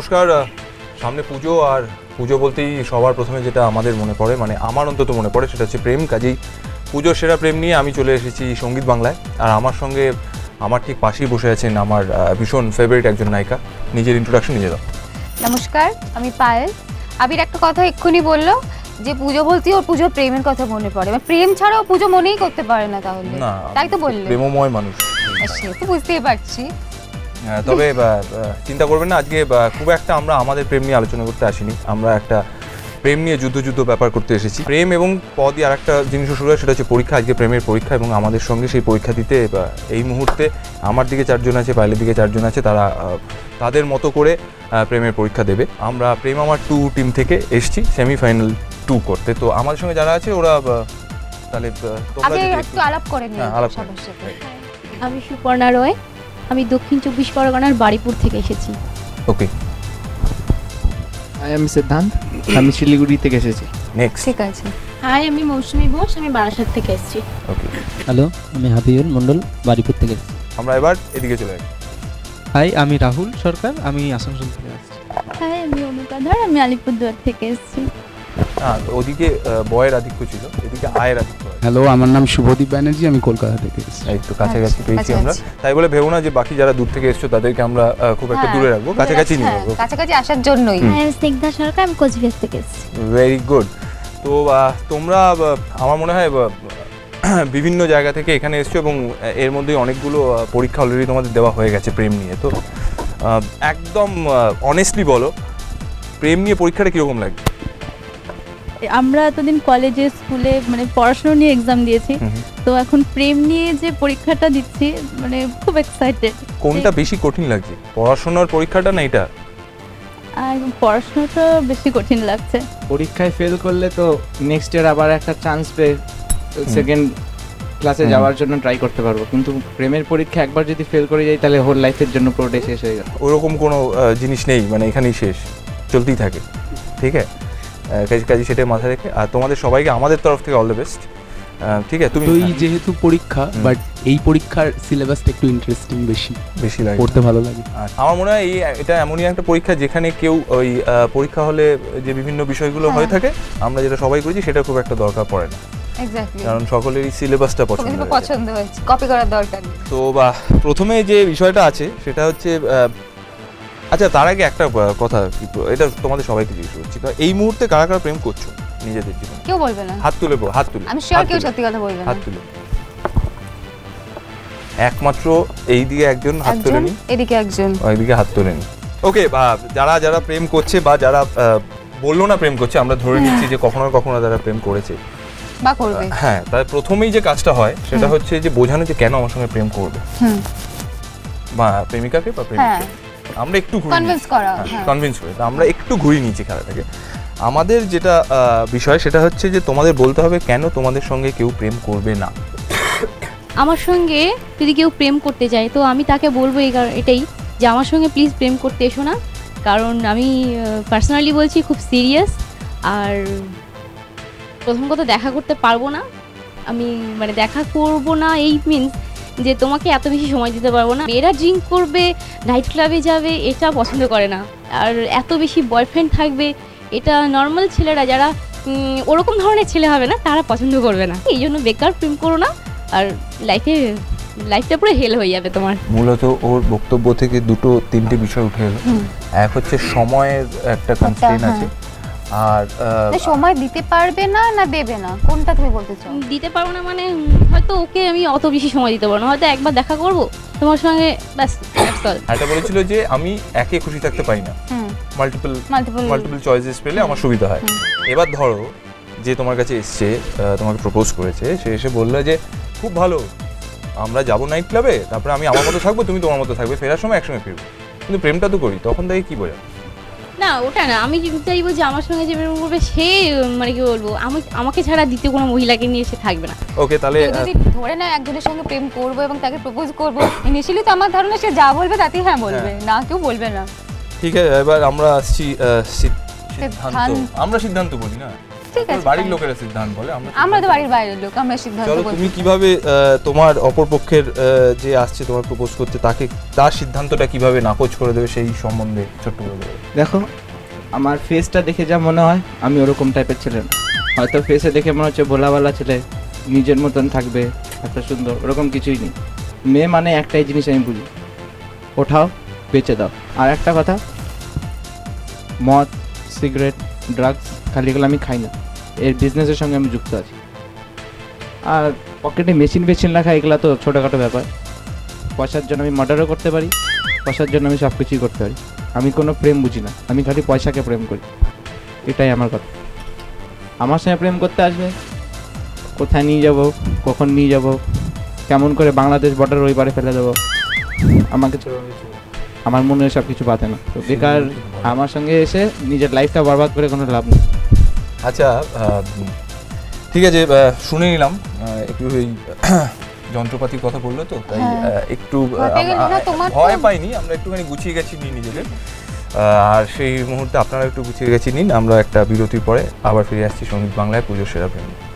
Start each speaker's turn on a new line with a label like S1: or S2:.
S1: নমস্কার। সামনে পুজো, আর পুজো বলতেই সবার প্রথমে যেটা আমাদের মনে পড়ে, মানে আমার অন্তত মনে পড়ে, সেটা হচ্ছে প্রেম। কাজেই পুজোর সেরা প্রেম নিয়ে আমি চলে এসেছি সঙ্গীত বাংলায়। আর আমার সঙ্গে আমার ঠিক পাশেই বসে আছেন আমার ভীষণ ফেভারিট একজন নায়িকা। নিজের ইন্ট্রোডাকশন নিজে দাও।
S2: নমস্কার, আমি পায়েল। আবির একটা কথা এক্ষুনি বললো যে পুজো বলতেই ওর পুজোর প্রেমের কথা মনে পড়ে, মানে প্রেম ছাড়াও পুজো মনেই করতে পারে না, তাহলে
S1: না,
S2: তাই তো বললে?
S1: প্রেমময় মানুষ।
S2: সে তো বুঝতেই পারছি।
S1: তবে চিন্তা করবেন না, আজকে খুব একটা আমরা আমাদের প্রেম নিয়ে আলোচনা করতে আসিনি। আমরা একটা প্রেম নিয়ে যুদ্ধ ব্যাপার করতে এসেছি। প্রেম এবং পদই আর একটা জিনিসও শুরু হয়, সেটা হচ্ছে পরীক্ষা। আজকে প্রেমের পরীক্ষা, এবং আমাদের সঙ্গে সেই পরীক্ষা দিতে এই মুহূর্তে আমার দিকে 4 জন আছে, পায়েলের দিকে 4 জন আছে। তারা তাদের মতো করে প্রেমের পরীক্ষা দেবে। আমরা প্রেম আমার 2 টিম থেকে এসেছি সেমিফাইনাল 2 করতে। তো আমাদের সঙ্গে যারা আছে ওরা তাহলে
S2: আগে একটু আলাপ করে নিই
S1: আলাপ
S2: সবার সাথে।
S3: আমি সুপর্ণা রয়, আমি দক্ষিণ 24 পরগনার বাড়িপুর থেকে এসেছি।
S1: ওকে,
S4: আমি সিদ্ধান্ত, আমি শিলিগুড়ি থেকে এসেছি।
S1: নেক্সট।
S2: ঠিক আছে।
S3: হাই, আমি মৌসুমী ঘোষ, আমি বারাসাত থেকে এসেছি।
S1: ওকে,
S5: হ্যালো, আমি হাবিবুল মণ্ডল, বাড়িপুর থেকে এসেছি।
S1: আমরা এবার এদিকে চলে যাই।
S6: হাই, আমি রাহুল সরকার, আমি আসানসোল থেকে আসছি।
S3: হাই, আমি অনুকাধর, আমি আলিপুরদুয়ার থেকে এসেছি।
S1: হ্যাঁ, ওদিকে বয়ের আধিক্য ছিল, এদিকে আয়ের আধিক্য।
S7: হ্যালো, আমার নাম শুভদীপ ব্যানার্জি, আমি কলকাতা থেকে এসেছি।
S1: একটু কাছাকাছি পেয়েছি আমরা,
S2: কাছাকাছি।
S1: তাই বলে ভেবো না যে বাকি যারা দূর থেকে এসছো তাদেরকে আমরা খুব একটা
S2: হ্যাঁ,
S1: দূরে রাখবো, কাছাকাছি নিয়ে
S2: হ্যাঁ,
S1: যাবো।
S2: কাছাকাছি আসার জন্যই।
S3: হাই, আমি স্নিগ্ধা সরকার, আমি কোচবিহার থেকে এসেছি।
S1: Very good. তো তোমরা আমার মনে হয় বিভিন্ন জায়গা থেকে এখানে এসছো, এবং এর মধ্যে অনেকগুলো পরীক্ষা অলরেডি তোমাদের দেওয়া হয়ে গেছে প্রেম নিয়ে। তো একদম অনেস্টলি বলো, প্রেম নিয়ে পরীক্ষাটা কীরকম লাগে?
S8: আমরা এতদিন কলেজে স্কুলে মানে পড়াশোনা নিয়ে এক্সাম দিয়েছি, তো এখন প্রেম নিয়ে যে পরীক্ষাটা দিচ্ছি মানে খুব এক্সাইটেড।
S1: কোনটা বেশি কঠিন লাগছে, পড়াশোনার পরীক্ষাটা না এটা?
S8: আর পড়াশোনাটা বেশি কঠিন লাগছে।
S4: পরীক্ষায় ফেল করলে তো নেক্সট ইয়ার আবার একটা চান্স পেয়ে সেকেন্ড ক্লাসে যাওয়ার জন্য ট্রাই করতে পারবো, কিন্তু প্রেমের পরীক্ষা একবার যদি ফেল করে যাই তাহলে হোল লাইফের জন্য পুরোটাই শেষ হয়ে গেল।
S1: ওরকম কোনো জিনিস নেই, মানে এখানেই শেষ, চলতেই থাকে। ঠিক আছে, কাজে সেটাই মাথায় রেখে, আর তোমাদের সবাইকে আমাদের তরফ থেকে অল দ্য বেস্ট। ঠিক আছে, তুমি
S7: তো এই যেহেতু পরীক্ষা, বাট এই পরীক্ষার সিলেবাসটা একটু ইন্টারেস্টিং, বেশি
S1: লাগে
S7: পড়তে ভালো লাগে।
S1: আমার মনে হয় এটা এমনই একটা পরীক্ষা যেখানে কেউ ওই পরীক্ষা হলে যে বিভিন্ন বিষয়গুলো হয়ে থাকে, আমরা যেটা সবাই করেছি সেটা খুব একটা দরকার পড়ে না,
S2: এক্স্যাক্টলি,
S1: কারণ সকলেরই সিলেবাসটা পছন্দ হয়ে যায়।
S2: পছন্দ হয়েছে, কপি করার দরকার নেই।
S1: তো প্রথমে যে বিষয়টা আছে সেটা হচ্ছে, আচ্ছা তার আগে একটা কথা, এটা তোমাদের সবাইকে জিজ্ঞেস করছি, তো এই মুহূর্তে কারা কারা প্রেম করছো নিজেদের জীবনে?
S2: কেউ বলবে না,
S1: হাত তুলে হাত তুলে
S2: আমি শিওর কেউ সত্যি কথা বলবে না।
S1: হাত তুলে একমাত্র এইদিকে একজন হাত তুলে নি,
S2: এদিকে একজন,
S1: ওইদিকে হাত তুলে নি। ওকে, যারা যারা প্রেম করছে বা যারা বললো না প্রেম করছে, আমরা ধরে নিচ্ছি যে কখনো না কখনো তারা প্রেম করেছে
S2: বা করবে।
S1: হ্যাঁ, তার প্রথমেই যে কাজটা হয় সেটা হচ্ছে যে বোঝানো যে কেন আমার সঙ্গে প্রেম করবে, বা প্রেমিকাকে বা প্রেমিককে আমরা একটু
S2: কনভিন্স করা,
S1: কনভিন্স করে। তো আমরা একটু ঘুরিয়ে নিয়েছি খেলাটাকে। আমাদের যেটা বিষয় সেটা হচ্ছে যে তোমাদের বলতে হবে কেন তোমাদের সঙ্গে কেউ প্রেম করবে না।
S3: আমার সঙ্গে যদি কেউ প্রেম করতে চায় তো আমি তাকে বলবো এটাই যে আমার সঙ্গে প্লিজ প্রেম করতে এসো না, কারণ আমি পার্সোনালি বলছি খুব সিরিয়াস। আর প্রথম কথা, দেখা করতে পারবো না আমি, মানে দেখা করব না এই মিনস যে তোমাকে এত বেশি সময় দিতে পারবো না। এরা ড্রিঙ্ক করবে, নাইট ক্লাবে যাবে, এটা পছন্দ করে না। আর এত বেশি বয়ফ্রেন্ড থাকবে, এটা নর্মাল ছেলেরা যারা ওরকম ধরনের ছেলে হবে না, তারা পছন্দ করবে না। এই জন্য বেকার প্রেম করো না, আর লাইফটা পুরো হেল হয়ে যাবে তোমার।
S1: মূলত ওর বক্তব্য থেকে 2-3টে বিষয় উঠে এলো। এক হচ্ছে সময়ের একটা কনস্ট্রেইন আছে, আর
S2: সময় দিতে পারবে না না দেবে না, কোনটা তুমি বলতে চাও?
S3: দিতে পারবো না মানে হয়তো ওকে আমি অত বেশি সময় দিতে পারবো না, হয়তো একবার দেখা করব তোমার সঙ্গে, ব্যাস।
S1: এটা বলেছিল যে আমি একে খুশি থাকতে পারি না, মাল্টিপল চয়েসেস পেলে আমার সুবিধা হয়। এবার ধরো যে তোমার কাছে এসছে, তোমাকে প্রপোজ করেছে, সে এসে বললো যে খুব ভালো, আমরা যাবো নাইট ক্লাবে, তারপরে আমি আমার মতো থাকবো, তুমি তোমার মতো থাকবে, ফেরার সময় একসঙ্গে ফিরবো, কিন্তু প্রেমটা তো করি, তখন তাই কি বোঝা?
S3: না, ওটা না, আমি চাইবো যে আমার সঙ্গে যে প্রেম করবে সে, মানে কি বলবো, আমাকে ছাড়া দ্বিতীয় কোনো মহিলাকে নিয়ে সে থাকবে না।
S1: ওকে, তাহলে
S2: যদি ধরে না একজনের সঙ্গে প্রেম করবো এবং তাকে প্রপোজ করবো, ইনিশিয়ালি তো আমার ধারণা সে যা বলবে তাতেই হ্যাঁ বলবে, না কেউ বলবে না।
S1: ঠিক আছে, এবার আমরা আসছি সিদ্ধান্ত। আমরা সিদ্ধান্ত বলি না,
S2: ঠিক
S1: তোর
S2: আছে
S1: বাড়ির
S2: fine.
S1: লোকেরা সিদ্ধান্ত বলে
S2: আমরা তো বাড়ির বাইরের লোক, আমরা সিদ্ধান্ত
S1: চলো
S2: বলছি।
S1: তুমি কিভাবে তোমার অপরপক্ষের যে আসছে তোমার প্রপোজ করতে তাকে তার সিদ্ধান্তটা কিভাবে নাকচ করে দেবে সেই সম্বন্ধে ছোট্ট করে দেবে।
S4: দেখো আমার ফেসটা দেখে যা মনে হয় আমি ওরকম টাইপের ছেলে না। হয়তো ফেসে দেখে মনে হচ্ছে ভোলাওয়ালা ছেলে, নিজের মতন থাকবে, এত সুন্দর, ওরকম কিছুই নেই। মেয়ে মানে একটাই জিনিস আমি বুঝি, ওঠাও বেচে দাও। আর একটা কথা, মদ, সিগারেট, ড্রাগস খালি এগুলো আমি খাই না, এর বিজনেসের সঙ্গে আমি যুক্ত আছি। আর পকেটে মেশিন রাখা এগুলো তো ছোটোখাটো ব্যাপার। পয়সার জন্য আমি মার্ডারও করতে পারি, পয়সার জন্য আমি সব কিছুই করতে পারি। আমি কোনো প্রেম বুঝি না, আমি খালি পয়সাকে প্রেম করি, এটাই আমার কথা। আমার সঙ্গে প্রেম করতে আসবে, কোথায় নিয়ে যাব, কখন নিয়ে যাব, কেমন করে বাংলাদেশ বর্ডার ওই পারে ফেলে দেবো, আমাকে আমার মনে সব কিছু বাধে না। তো বেকার আমার সঙ্গে এসে নিজের লাইফটা বরবাদ করে কোনো লাভ নেই।
S1: আচ্ছা ঠিক আছে, শুনে নিলাম একটু ওই যন্ত্রপাতির কথা বললো তো তাই
S2: হ্যাঁ।
S1: একটু
S2: ঘটে গেলো না তোমার তো?
S1: ভয় পাইনি, আমরা একটুখানি গুছিয়ে গেছি নিজেদের। আর সেই মুহূর্তে আপনারা একটু গুছিয়ে গেছি নিন। আমরা একটা বিরতির পরে আবার ফিরে আসছি সঙ্গীত বাংলায় পুজোর সেরা প্রেম।